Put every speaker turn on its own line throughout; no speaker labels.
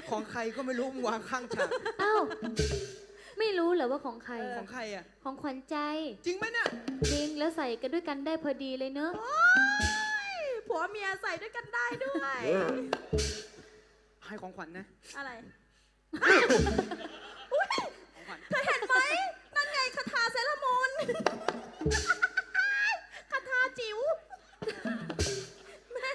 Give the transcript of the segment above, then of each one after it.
ของใครก็ไม่รู้มึงวางข้างฉาก
เอ้าไม่รู้เหรอว่าของใคร
ของใครอ่ะ
ของขวัญใจ
จริงไหมเนี่ย
จริงแล้วใส่กันด้วยกันได้พอดีเลยเนอะ
ผัวเมียใส่ด้วยกันได้ด้วย
ให้ของขวัญนะ
อะไร
ของขวัญ
เธอเห็นไหมนั่นไงคาถาเซรามูนคาถาจิ๋วแม่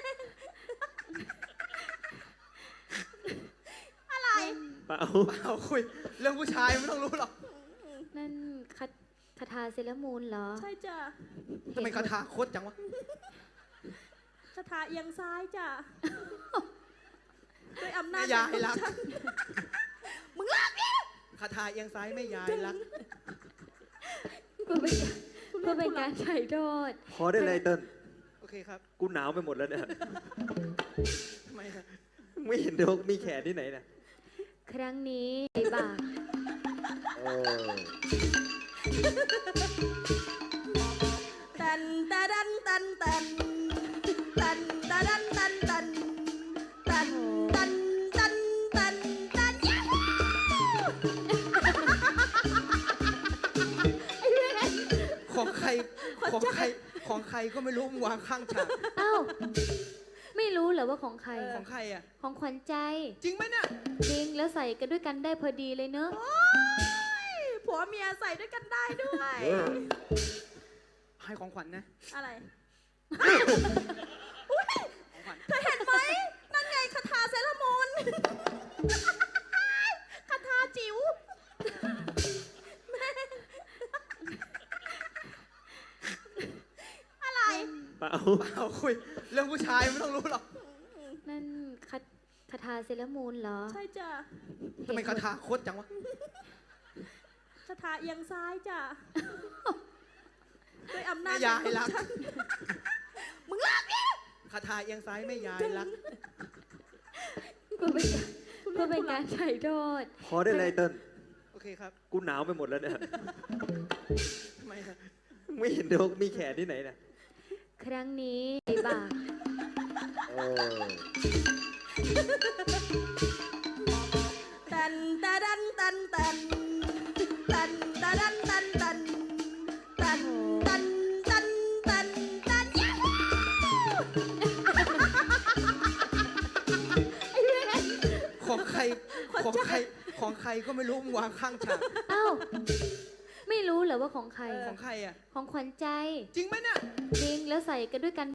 อะไร
เปล่า
เอาคุยเรื่องผู้ชายไม่ต้องรู้หรอก
นั่นคาถาเซรามูนเหรอ
ใช่จ้ะ
ทำไมคาถาโคตรจังวะ
คาถาเอียงซ้ายจ้ะด้วยอำนา
แม่
จ
ยายรัก
มึงเลิกดิ
คาถาเอียงซ้ายแม่ยายรัก
เพื่อเป็นการไถ่โทษ
พอได้เลยเติ้ล
โอเคครับ
กูหนาวไปหมดแล้วเนี่ย
ทำไมอะ
ไม่เห็นดอกมีแขนที่ไหนนะ
ครั้งนี้ไอ้บ่า
โอ้
ตันตะดันตันตันตันตะดันตันตันตันตันตันตันตันยาฮู
ของใครของใครของใครก็ไม่รู้มึงวางข้างฉาก
เอ้าไม่รู้เหรอว่าของใคร
ของใครอ่ะ
ของขวัญใจ
จริงไหมเนี่ย
จริงแล้วใส่กันด้วยกันได้พอดีเลยเนอะ
ผัวเมียใส่ด้วยกันได้ด้วย
ให้ของขวัญนะ
อะไร
ของขวัญ
เธอเห็นไหมนั่นไงคาถาเซรามูนคาถาจิ๋วแม่อะไร
เปล่า
เอาคุยเรื่องผู้ชายไม่ต้องรู้หรอก
นั่นคาถาเซรามูนเหรอ
ใช่จ้ะ
ทำไมคาถาโคตรจังวะ
คาถาเอียงซ้ายจ้ะด้วยอำนา
แม่
จ
ยายรัก
มึงเลิกดิ
คาถาเอียงซ้ายแม่ยายรัก
เพื่อเป็นการไถ่โทษ
พอได้เลยเติ้ล
โอเคครับ
กูหนาวไปหมดแล้วเนี่ย
ทำไมอะ
ไม่เห็นดอกมีแขนที่ไหนนะ
ครั้งนี้ไอ้บ่า
โอ้
ตันตะดันตันตันตันตะดันตันตันตันตันตันตันตันยาฮู
ของใครของใครของใครก็ไม่รู้มึงวางข้างฉาก
เอ้าไม่รู้เหรอว่าของใคร
ของใครอ่ะ
ของขวัญใจ
จริงไหมเนี่ย
จริงแล้วใส่กันด้วยกัน